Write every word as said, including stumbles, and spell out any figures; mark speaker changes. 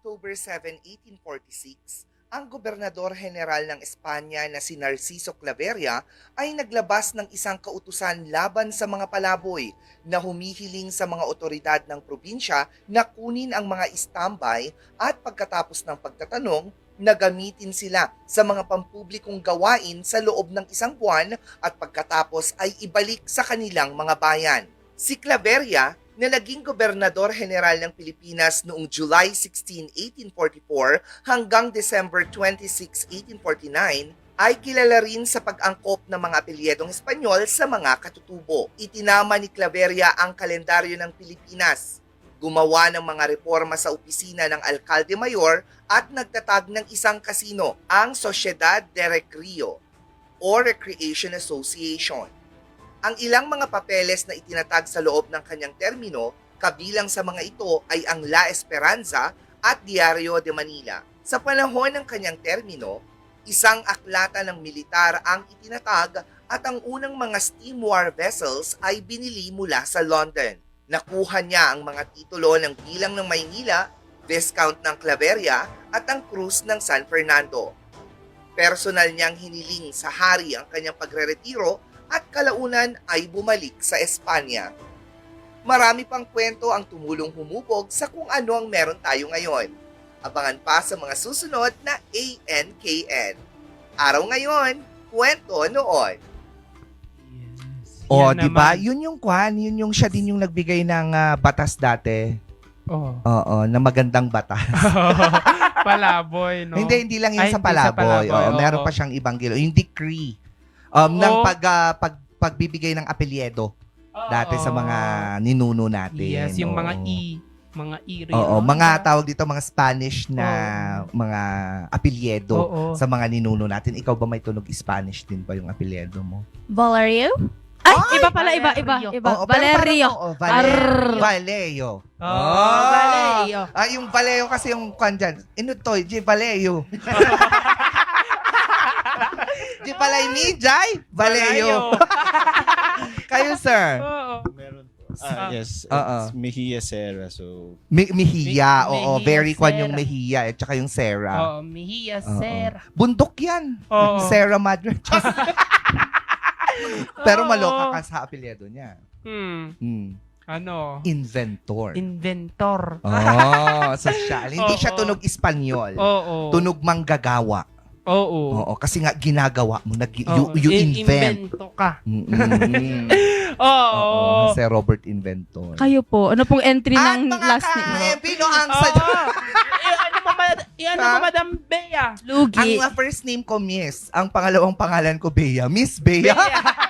Speaker 1: October seventh, eighteen forty-six, ang gobernador general ng Espanya na si Narciso Claveria ay naglabas ng isang kautusan laban sa mga palaboy na humihiling sa mga otoridad ng probinsya na kunin ang mga istambay at pagkatapos ng pagtatanong, na gamitin sila sa mga pampublikong gawain sa loob ng isang buwan at pagkatapos ay ibalik sa kanilang mga bayan. Si Claveria, na naging gobernador general ng Pilipinas noong July sixteenth, eighteen forty-four hanggang December twenty-sixth, eighteen forty-nine, ay kilala rin sa pag-angkop ng mga apelyedong Espanyol sa mga katutubo. Itinama ni Claveria ang kalendaryo ng Pilipinas, gumawa ng mga reforma sa opisina ng Alcalde Mayor at nagtatag ng isang kasino, ang Sociedad de Recreo o Recreation Association. Ang ilang mga papeles na itinatag sa loob ng kanyang termino, kabilang sa mga ito ay ang La Esperanza at Diario de Manila. Sa panahon ng kanyang termino, isang aklata ng militar ang itinatag at ang unang mga steam war vessels ay binili mula sa London. Nakuha niya ang mga titulo ng bilang ng Maynila, Viscount ng Claveria at ang Cruz ng San Fernando. Personal niyang hiniling sa hari ang kanyang pagreretiro at kalaunan ay bumalik sa Espanya. Marami pang kwento ang tumulong humubog sa kung ano ang meron tayo ngayon. Abangan pa sa mga susunod na A N K N. Araw ngayon, kwento noon.
Speaker 2: O,
Speaker 3: Yan
Speaker 2: di ba?
Speaker 3: naman.
Speaker 2: Yun yung kwan, yun yung siya din yung nagbigay ng ah, batas dati.
Speaker 3: Oh.
Speaker 2: Oo, na magandang batas.
Speaker 3: Palaboy, no?
Speaker 2: Hindi, hindi lang yun
Speaker 3: Ay,
Speaker 2: sa
Speaker 3: hindi sa
Speaker 2: palaboy.
Speaker 3: palaboy,
Speaker 2: Oo,
Speaker 3: oo.
Speaker 2: meron pa siyang ibang gilo. Yung decree um, ng
Speaker 3: Oo.
Speaker 2: pag, ah, pag, pagbibigay ng apelyedo dati sa mga ninuno natin.
Speaker 3: Yes, yung mga
Speaker 2: Oo.
Speaker 3: E. Mga E.
Speaker 2: Oo,
Speaker 3: Riona.
Speaker 2: mga tawag dito, mga Spanish na mga apelyedo
Speaker 3: Oo.
Speaker 2: sa mga ninuno natin. Ikaw ba may tunog Spanish din ba yung apelyedo mo?
Speaker 4: Valerio? Ay, iba pala, iba, iba,
Speaker 3: Valerio.
Speaker 4: iba.
Speaker 2: Oo, pero
Speaker 4: Valerio.
Speaker 2: parang, oo, Valerio.
Speaker 4: Arr.
Speaker 2: Valerio.
Speaker 3: Oh,
Speaker 4: Valerio.
Speaker 2: Ah, yung Valeo kasi yung kwan dyan. Inutoy, J. Valeo. J. Palay ni Jai. Valeo. Kayo, sir.
Speaker 3: Oo.
Speaker 5: Meron po.
Speaker 3: Ah.
Speaker 5: Ah, yes.
Speaker 2: Oo.
Speaker 5: It's Mejia Serra. So,
Speaker 2: Mi- Mejia.
Speaker 3: Mi-
Speaker 2: Oo,
Speaker 3: Mejia
Speaker 2: very kwan yung
Speaker 3: Serra.
Speaker 2: Mejia at saka yung Serra.
Speaker 3: Oo, Mejia
Speaker 2: Oo.
Speaker 3: Serra.
Speaker 2: Bundok yan.
Speaker 3: Oo.
Speaker 2: Serra Madre. Pero
Speaker 3: Oo.
Speaker 2: maloka ka sa apelyedo niya.
Speaker 3: Hmm.
Speaker 2: Hmm.
Speaker 3: Ano?
Speaker 2: Inventor.
Speaker 3: Inventor.
Speaker 2: Oh, social. Hindi
Speaker 3: Oo.
Speaker 2: siya tunog Espanyol.
Speaker 3: Oo.
Speaker 2: Tunog manggagawa.
Speaker 3: Oo.
Speaker 2: Oo, kasi nga ginagawa mo, nag, you,
Speaker 3: Oo.
Speaker 2: you
Speaker 3: In-
Speaker 2: invent.
Speaker 3: Invento ka.
Speaker 2: Mm-mm.
Speaker 3: Oo.
Speaker 2: Oo, si Robert Inventor.
Speaker 4: Kayo po. Ano pong entry
Speaker 2: At
Speaker 4: ng
Speaker 2: mga
Speaker 4: last name?
Speaker 2: ka-Pino ang
Speaker 3: Oo.
Speaker 2: sa...
Speaker 3: Eh, ano mo, ma- eh, ano mo,
Speaker 2: Ha?
Speaker 3: Madam Bea?
Speaker 2: Ang
Speaker 4: Lugi.
Speaker 2: uh, first name ko, Miss. Ang pangalawang pangalan ko, Bea. Miss Bea.
Speaker 3: Bea.